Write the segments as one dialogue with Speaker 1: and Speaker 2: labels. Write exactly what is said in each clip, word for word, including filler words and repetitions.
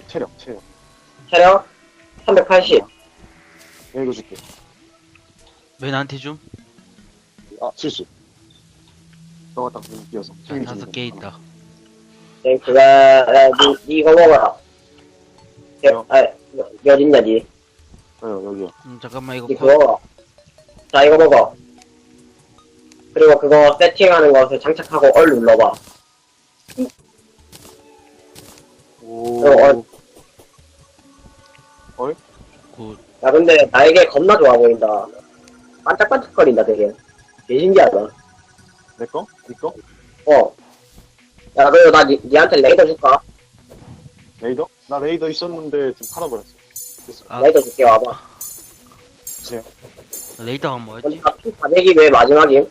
Speaker 1: 체력, 체력.
Speaker 2: 체력 삼백팔십.
Speaker 1: 내가 이거 줄게.
Speaker 3: 왜 나한테 줌?
Speaker 1: 아, 실수. 너가 딱 눈 띄어서.
Speaker 3: 자, 다섯 개 있다.
Speaker 2: 네, 그거, 야, 니, 니 이거 먹어라. 여, 아, 여- 어딨냐, 니.
Speaker 1: 어, 여기요.
Speaker 3: 음, 잠깐만 이거
Speaker 2: 니
Speaker 3: 코...
Speaker 2: 그거 먹어. 자, 이거 먹어. 그리고 그거 세팅하는 것을 장착하고 얼 눌러봐.
Speaker 1: 오.
Speaker 2: 어,
Speaker 1: 얼?
Speaker 3: 굿.
Speaker 2: 야, 근데 나에게 겁나 좋아 보인다. 반짝반짝거린다, 되게. 개 신기하다.
Speaker 1: 내 거? 니 거?
Speaker 2: 어. 야, 그리고 나 니, 니한테 레이더 줄까?
Speaker 1: 레이더? 나 레이더 있었는데 지금 팔아버렸어. 됐어.
Speaker 3: 아,
Speaker 2: 레이더 줄게, 와봐.
Speaker 1: 주세요.
Speaker 3: 레이더가 뭐였지?
Speaker 2: 근데 피 사백이 왜 마지막임?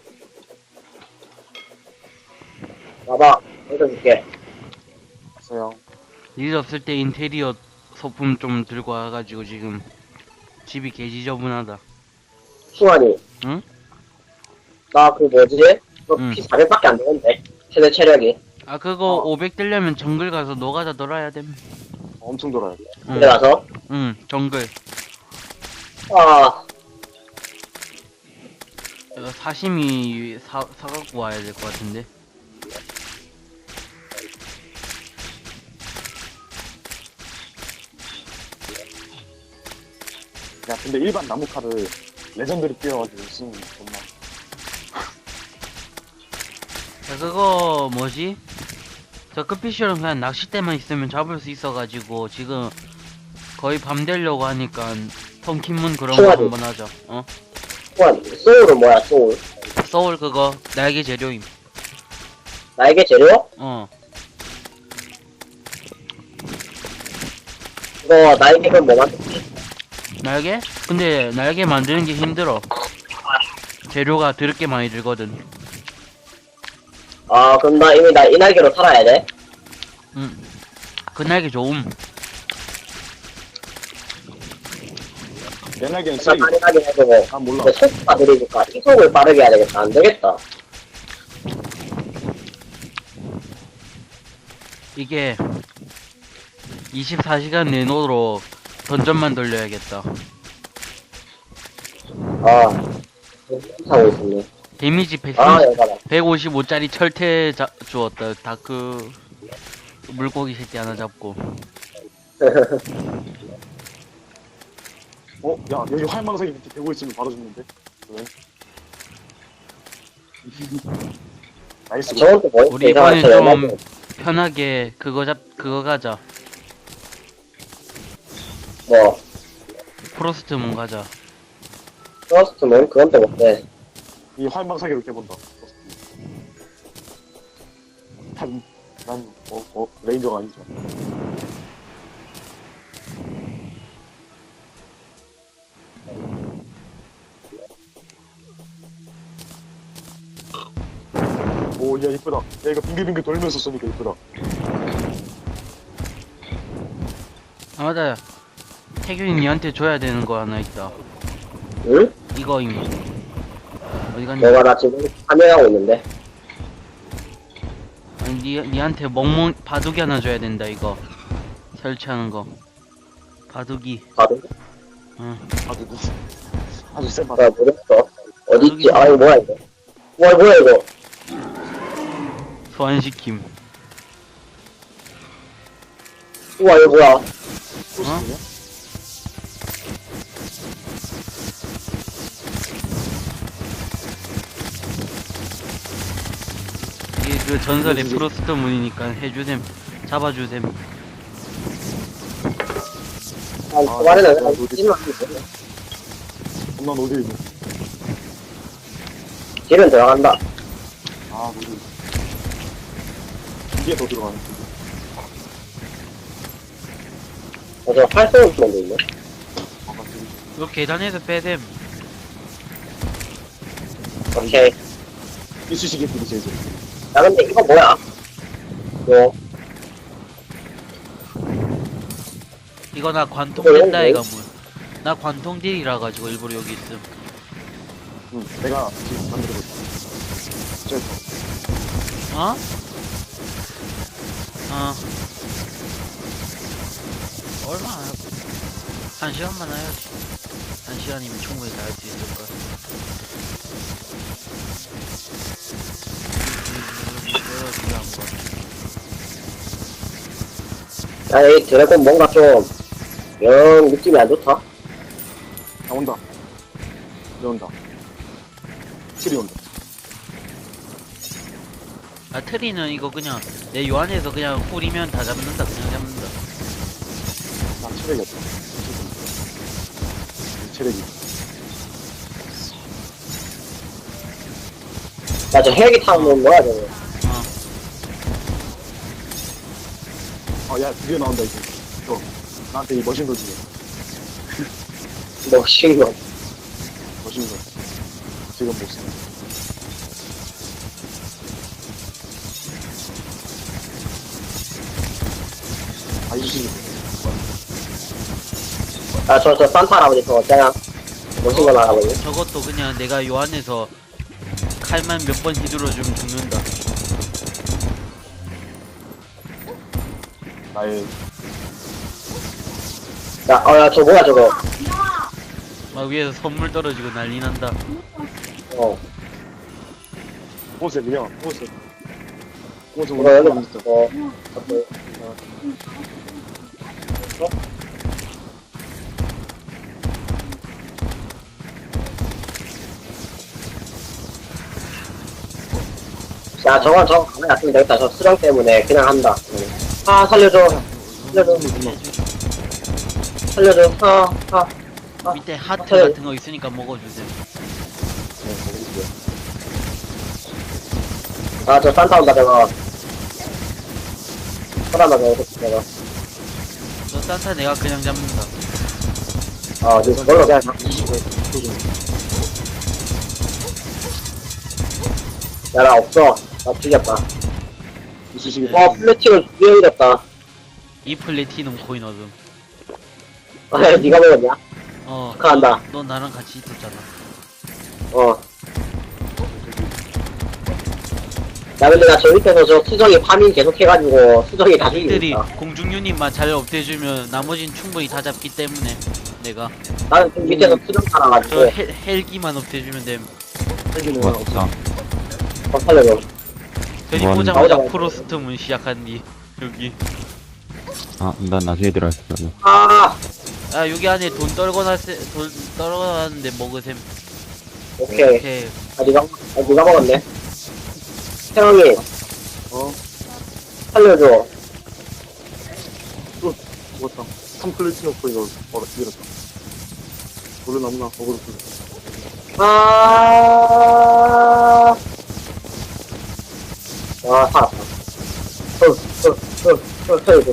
Speaker 2: 와봐. 레이더 줄게.
Speaker 1: 주세요.
Speaker 3: 일 없을 때 인테리어 소품 좀 들고 와가지고 지금 집이 개지저분하다.
Speaker 2: 승환이.
Speaker 3: 응?
Speaker 2: 나 그 뭐지? 그
Speaker 3: 응.
Speaker 2: 피 사백밖에 안 되는데. 최대 체력이.
Speaker 3: 아 그거
Speaker 1: 어.
Speaker 3: 오백 되려면 정글 가서 노가다 놀아야 됨.
Speaker 1: 엄청 돌아야 돼.
Speaker 3: 응,
Speaker 2: 그래 가서.
Speaker 3: 응 정글.
Speaker 2: 아,
Speaker 3: 이거 사시미 사, 사갖고 와야 될 것 같은데.
Speaker 1: 야, 근데 일반 나무칼을 레전드를 띄워가지고 쓰는 게 정말.
Speaker 3: 야 그거 뭐지? 저 끝피쉬는 그냥 낚싯대만 있으면 잡을 수 있어가지고 지금 거의 밤 되려고 하니까 펑킨문 그런 거
Speaker 2: 수고하지.
Speaker 3: 한번 하자. 어?
Speaker 2: 승환, 소울은 뭐야, 소울?
Speaker 3: 소울 그거 날개 재료임.
Speaker 2: 나에게 재료?
Speaker 3: 어.
Speaker 2: 이거 나에게 그럼 뭐 만들지?
Speaker 3: 날개? 근데 날개 만드는 게 힘들어. 재료가 드럽게 많이 들거든.
Speaker 2: 아, 그럼 나 이미 나 이 날개로 살아야 돼?
Speaker 3: 응. 그 날개 좋음.
Speaker 1: 내 날개는
Speaker 2: 나
Speaker 1: 쓰레기.
Speaker 2: 빠르게 해주고.
Speaker 1: 난 몰라.
Speaker 2: 근데 속 빠르니까 이속을 빠르게 해야 되겠다. 안 되겠다.
Speaker 3: 이게 이십사 시간 내노로 던전만 돌려야겠다.
Speaker 2: 아, 하고 있었네.
Speaker 3: 데미지 백,
Speaker 2: 아, 여봐라.
Speaker 3: 백오십오짜리 철퇴 자, 주었다. 다크 물고기 새끼 하나 잡고.
Speaker 1: 어? 야, 여기 활망성이 이렇게 되고 있으면 바로 죽는데? 왜? 나이스.
Speaker 2: 저건 또 뭐였지?
Speaker 3: 우리
Speaker 2: 이상한
Speaker 3: 이번엔
Speaker 2: 저
Speaker 3: 좀
Speaker 2: 연락이.
Speaker 3: 편하게 그거 잡 그거 가자.
Speaker 2: 뭐,
Speaker 3: 프로스트문 가자.
Speaker 2: 프로스트문? 그건 또 못해.
Speaker 1: 이 활망사기로 깨본다. 난, 난, 어, 어, 레인저가 아니죠. 오, 야, 이쁘다. 야, 이거 빙글빙글 돌면서 쏘니까 이쁘다.
Speaker 3: 아 맞아. 태균이 니한테 줘야 되는 거 하나 있다.
Speaker 2: 응?
Speaker 3: 이거 이미 어디 갔냐?
Speaker 2: 내가 나 지금 참여하고 있는데.
Speaker 3: 아니 니 니한테 멍멍 바둑이 하나 줘야 된다 이거. 설치하는 거. 바둑이.
Speaker 2: 봐도?
Speaker 3: 응.
Speaker 1: 아주, 아주 센
Speaker 2: 나
Speaker 1: 바다.
Speaker 2: 모르겠어. 어디있지? 아, 이거 뭐야, 이거. 와, 뭐야, 이거.
Speaker 3: 소환시킴.
Speaker 2: 우와, 이거 뭐야.
Speaker 1: 소스냐?
Speaker 3: 이게 그 전설의
Speaker 1: 해주지.
Speaker 3: 프로스트 문이니까 해주셈. 잡아주셈.
Speaker 2: 아,
Speaker 1: 아,
Speaker 2: 초반에는
Speaker 1: 나
Speaker 2: 그냥
Speaker 1: 어디-
Speaker 2: 찜만 하면
Speaker 1: 엄마 어디 있니?
Speaker 2: 딜은 들어간다.
Speaker 1: 아, 어디 이게 더 들어가네.
Speaker 2: 어, 저 활쏘는 놈도 있네.
Speaker 1: 아, 맞지.
Speaker 3: 이거 계단에서 빼셈.
Speaker 2: 오케이.
Speaker 1: 이쑤시개 뿌리지, 이제.
Speaker 2: 야, 근데 이거 뭐야? 이거,
Speaker 3: 이거 나 관통
Speaker 2: 이거
Speaker 3: 된다
Speaker 2: 왜-
Speaker 3: 이가 뭐. 나 관통 딜이라 가지고 일부러 여기 있음.
Speaker 1: 응, 내가 지금 만들고 있어. 저,
Speaker 3: 어? 어. 얼마 안 하고. 한 시간만 해야지. 한 시간이면 충분히 다 할 수 있을 거야.
Speaker 2: 야, 이 드래곤 뭔가 좀, 영 느낌이 안 좋다.
Speaker 1: 아, 온다. 들어온다. 칠이 온다.
Speaker 3: 아, 트리는 이거 그냥 내 요안에서 그냥 훌이면 다 잡는다. 그냥 잡는다.
Speaker 1: 나 체력이 없다. 체력이.
Speaker 2: 야, 저 헬기 타는 뭐야, 저거.
Speaker 3: 어.
Speaker 1: 아, 야, 드디어 나온다, 이제. 저, 나한테 이 머신걸 주게.
Speaker 2: 멋진 거.
Speaker 1: 머신걸. 지금 못 쓰는. 아, 이주식이.
Speaker 2: 야, 저, 저 산타 할아버지 저거 어쩌냐? 멋진 거 할아버지.
Speaker 3: 저것도 그냥 내가 요안에서 칼만 몇 번 휘둘러주면 죽는다.
Speaker 1: 나의,
Speaker 2: 야, 어, 야, 저 뭐야, 저거.
Speaker 3: 막 위에서 선물 떨어지고 난리 난다.
Speaker 2: 어.
Speaker 1: 꽃에 그냥, 꽃에. 꽃에
Speaker 2: 이거 여기
Speaker 1: 오늘
Speaker 2: 있어. 어. 어때? 어? 야, 저건, 저거 가만히 놔두면 되겠다. 저 수정 때문에 그냥 한다. 응. 아, 살려줘. 살려줘. 살려줘. 아, 아. 아.
Speaker 3: 밑에 하트
Speaker 2: 아,
Speaker 3: 같은 거 있으니까 먹어주세요.
Speaker 2: 아, 저 산타 온다, 저거. 사람아, 저거, 저거.
Speaker 3: 저 산타 내가 그냥 잡는다.
Speaker 2: 아, 저, 저걸로 그냥. 야, 나 없어. 나 죽였다.
Speaker 1: 이수식이.
Speaker 2: 어, 플래팅을 두개 잃었다.
Speaker 3: 이 플래티넘 코인 얻음.
Speaker 2: 아, 니가 먹었냐?
Speaker 3: 어.
Speaker 2: 축하한다.
Speaker 3: 너, 너 나랑 같이 있었잖아.
Speaker 2: 어. 야, 근데 나 저 밑에서 저 수정이 파밍 계속 해가지고 수정이 다
Speaker 3: 이들이
Speaker 2: 죽이고 있다.
Speaker 3: 공중유닛만 잘 업돼주면 나머진 충분히 다 잡기 때문에 내가
Speaker 2: 나는 그 밑에서 수정
Speaker 3: 저
Speaker 2: 살아가지고
Speaker 3: 헬, 헬기만 업돼주면 됨.
Speaker 1: 헬기는
Speaker 4: 맞다.
Speaker 2: 더 살려줘.
Speaker 3: 괜히
Speaker 4: 뭐 하는
Speaker 3: 보자마자
Speaker 2: 거야?
Speaker 3: 프로스트 문 시작한 뒤 여기.
Speaker 4: 아, 난 나중에 들어갔어.
Speaker 2: 아,
Speaker 3: 아 여기 안에 돈 떨궈놨 돈 떨궈놨는데 먹으셈.
Speaker 2: 오케이.
Speaker 3: 오케이.
Speaker 2: 아, 니가, 아, 니가 먹었네. 태영이,
Speaker 1: 어,
Speaker 2: 살려줘.
Speaker 1: 죽었다. 삼 플래티넘 코인을 벌어, 잃었다. 오늘 너무나 어그로 풀려.
Speaker 2: 아, 와, 살았다. 어, 어, 어, 어, 살려줘.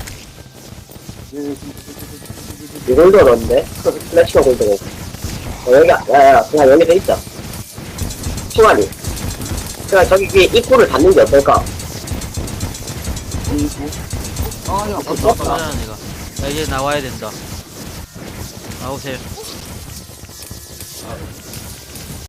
Speaker 2: 이걸도 넣었는데? 플래시가 골드고. 어, 여기, 야, 야, 그냥 여기 돼 있자. 시간이. 그냥 저기 위에 입구를 닫는 게 어떨까?
Speaker 1: 아, 야,
Speaker 2: 어,
Speaker 1: 벌써
Speaker 3: 나잖아 내가. 야 이제 나와야 된다. 나오세요. 아,